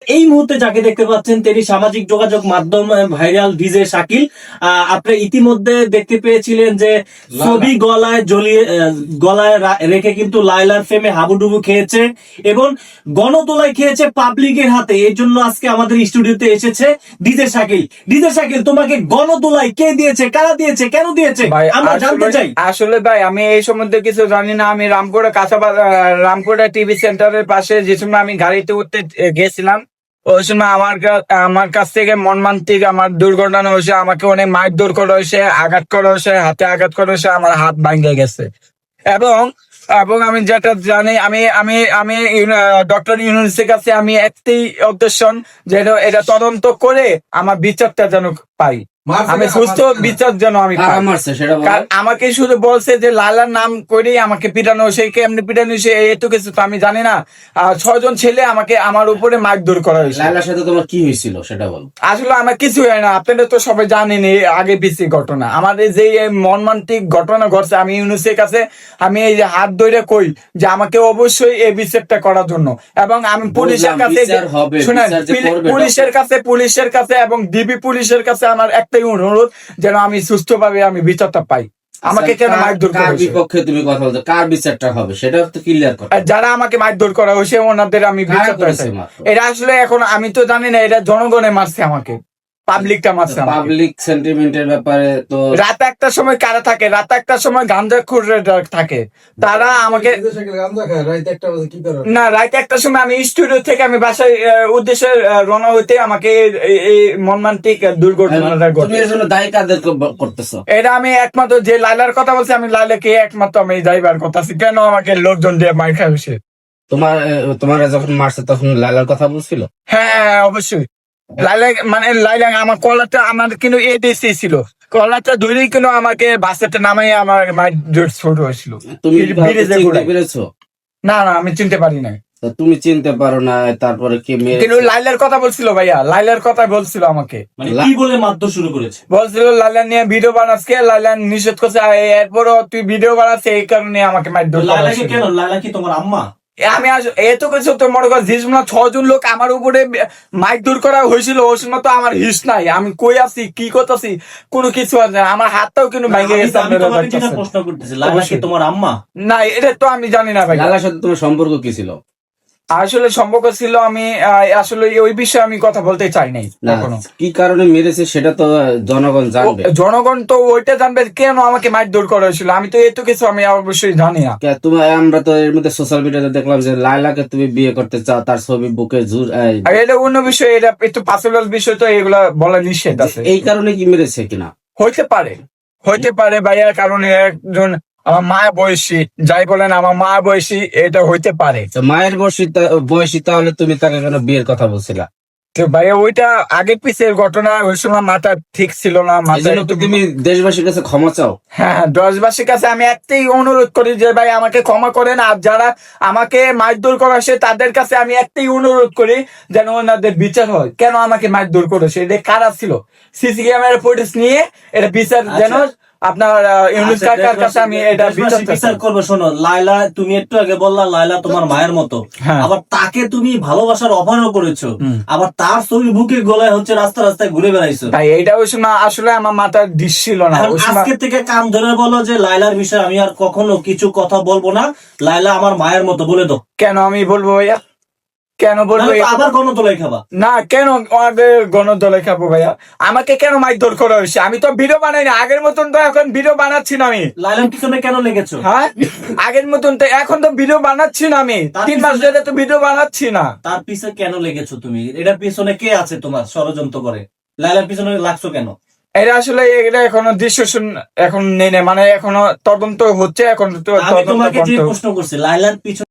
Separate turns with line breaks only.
এই মুহূর্তে যাকে দেখতে পাচ্ছেন তিনি সামাজিক যোগাযোগ মাধ্যম ভাইরাল ডিজে শাকিল। আপনি ইতিমধ্যে দেখতে পেয়েছিলেন যে ছবি গলায় ঝুলিয়ে গলায় রেখে কিন্তু লায়লার ফেমে হাবুডুবু খেয়েছে এবং গণতোলায় খেয়েছে পাবলিকের হাতে। এই জন্য আজকে আমাদের স্টুডিওতে এসেছে ডিজে শাকিল। ডিজে শাকিল, তোমাকে গণতোলায় কে দিয়েছে, কারা দিয়েছে, কেন দিয়েছে আমরা জানতে চাই।
আসলে ভাই আমি এই সম্বন্ধে কিছু জানি না। আমি রামপুরা রামপুরা টিভি সেন্টারের পাশে যে সময় আমি গাড়িতে উঠতে গেছিলাম, ওই সময় আমার কাছ থেকে মর্মান্তিক আমার দুর্ঘটনা হয়েছে। আমাকে অনেক মারধর করা হয়েছে, আঘাত করা হয়েছে, হাতে আঘাত করা হয়েছে, আমার হাত ভাঙে গেছে। এবং এবং আমি যেটা জানি, আমি আমি আমি ডক্টর ইউনুসের কাছে আমি একটাই অবজেকশন, যে এটা তদন্ত করে আমার বিচারটা যেন পাই, আমি সুস্থ বিচার যেন আমি পাই। আমাকে শুধু বলছে যে লালার নাম করেই আমাকে পিটানো, সেই কেমনি পিটানো হয়েছে এত কিছু তো আমি জানি না। 6 জন ছেলে আমাকে আমার উপরে মারধর করা হয়েছে।
লালার সাথে তোমার কি হয়েছিল সেটা বল।
আসলে আমার কিছু হয় না, আপনারা তো সবাই জানেন এই আগে পিছিয়ে ঘটনা। আমাদের যে মর্মান্তিক ঘটনা ঘটছে, আমি ইউনুসের কাছে আমি এই যে হাত ধরে কই যে আমাকে অবশ্যই এই বিচারটা করার জন্য। এবং আমি পুলিশের কাছে শুনেন, পুলিশের কাছে এবং ডিবি পুলিশের কাছে আমার একটাই অনুরোধ, যেন আমি সুস্থভাবে আমি বিচারটা পাই। আমাকে কেন মারধর করা হয়েছে,
বিপক্ষে তুমি কথা বলছো, কার বিচারটা হবে সেটা তো ক্লিয়ার করো।
যারা আমাকে মারধর করা হয়েছে ওনাদের আমি বিচারটা চাই। এটা আসলে এখন আমি তো জানি না, এটা জনগণে মারছে আমাকে, পাবলিকটা মারছে।
পাবলিক সেন্টিমেন্টের ব্যাপারে তো
রাত 1টার সময় কারা থাকে, রাত 1টার সময় গাঁজাখোর থাকে, তারা আমাকে না, রাত 1টার সময় আমি স্টুডিও থেকে আমি বাসায় উদ্দেশ্যে রওনা হইতে আমাকে এই মর্মান্তিক দুর্ঘটনাটা ঘটে।
এর জন্য দায়ী কাদের করতেছো?
এটা আমি একমাত্র যে লাইলার কথা বলছি, আমি লাইলাকে একমাত্র আমি যাইবার কথা আছি। কেন আমাকে লোকজন দিয়ে মার খাইছে?
তোমার যখন মারছে তখন লালার কথা বলছিল?
হ্যাঁ অবশ্যই। লাইলা আমার কলারটা আমার কিন্তু এডিসি ছিল, কলারটা ধরেই কিন্তু আমাকে বাসেতে নামাই আমার মায়ের ছোট হয়েছিল।
তুমি চিনতে পেরেছো?
না আমি চিনতে পারি না।
তুমি চিনতে পারো না, তারপরে কি
কিন্তু লাইলার কথা বলছিল ভাইয়া, লাইলার কথা বলছিল আমাকে।
মানে কি বলে মারধর শুরু করেছে?
বলছিল লাইলা নিয়ে ভিডিও বানাচ্ছে, লাইলা নিষেধ করছে, এরপরও তুই ভিডিও বানাচ্ছে, এই কারণে আমাকে মারধর।
লাইলাকে কেন? লাইলা কি তোমার আম্মা?
আমি এত কিছু তো মনে কর, যে সময় 6 জন লোক আমার উপরে মারধর করা হয়েছিল, ওই সময় তো আমার হিস নাই, আমি কই আছি কি করতেছি কোনো কিছু আছে, আমার হাতটাও কিন্তু ভেঙে গেছে।
প্রশ্ন করতেছি, লাইলা কি তোমার আম্মা?
না এটা তো আমি জানি না ভাই।
লালার সাথে তোমার সম্পর্ক কি ছিল?
আসলে সম্পর্ক ছিল, আমি আসলে ওই বিষয়ে আমি কথা বলতে চাই নাই।
কি কারণে মেরেছে সেটা তো জনগণ জানবে।
জনগণ তো ওইটা জানবে কেন আমাকে মারধর করা হয়েছিল, আমি তো এত কিছু আমি অবশ্যই জানি না।
আমরা তো এর মধ্যে সোশ্যাল মিডিয়াতে দেখলাম যে লায়লাকে তুমি বিয়ে করতে চাও, তার ছবি বুকে জোর।
এটা অন্য বিষয়, এটা একটু পার্সোনাল বিষয়, তো এগুলা বলা নিষেধ আছে।
এই কারণে কি মেরেছে কিনা?
হইতে পারে ভাইয়া, কারণ একজন আমার মা বয়সী, যাই বলেন আমার মা বয়সী, এটা হইতে পারে।
মায়ের বয়সী তাহলে তুমি তাকে কেন বিয়ের কথা বলছিলা?
তো ভাইয়া ওইটা আগের পিছের ঘটনা, ওই সময় মাথা ঠিক ছিল না।
তুমি দেশবাসীর কাছে ক্ষমা চাও?
হ্যাঁ, দেশবাসীর কাছে আমি একটাই অনুরোধ করি যে ভাই আমাকে ক্ষমা করেন। আর যারা আমাকে মারধর করেছে তাদের কাছে আমি একটাই অনুরোধ করি, যেন ওনাদের বিচার হয়। কেন আমাকে মারধর করেছে, এটা কারা ছিল, সিসি ক্যামেরা ফুটেজ নিয়ে এটা বিচার যেন আপনার ইউনুস কাকার কাছে আমি এটা
বিচার করবো। শোনো, লায়লা তুমি একটু আগে বললা লায়লা তোমার মায়ের মতো, আবার তাকে তুমি ভালোবাসার অফারও করেছো, আবার তার ছবি বুকে গলায় হচ্ছে রাস্তা রাস্তায় ঘুরে বেড়াইছো।
তাই এইটা ওই সময় আসলে আমার মাথার ডিশ ছিল না।
আজকে থেকে কান ধরে বলো যে লায়লার বিষয়ে আমি আর কখনো কিছু কথা বলবো না, লায়লা আমার মায়ের মতো বলে দাও।
কেন আমি বলবো ভাইয়া, কেন বলবো?
আবার গণতোলাই খাবা
না, কেন আগে গণতোলাই খাবো ভাইয়া? আমাকে কেন মারধর করা হয়েছে? আমি তো ভিডিও বানাই না আগের মতন, তো এখন ভিডিও বানাচ্ছি না আমি।
লাইলার পিছনে কেন লেগেছো?
হ্যাঁ, আগের মতন তো এখন তো ভিডিও বানাচ্ছি না আমি, 3 মাস ধরে তো ভিডিও বানাচ্ছি না।
তার পিছনে কেন লেগেছো তুমি? এটার পিছনে কে আছে তোমার ষড়যন্ত্র করে? লাইলার পিছনে লাগছো কেন?
এটা আসলে এটা এখনো ডিসিশন এখন নেই, মানে এখনো তদন্ত হচ্ছে। এখন
আমি তোমাকে যে প্রশ্ন করছি, লাইলার পিছনে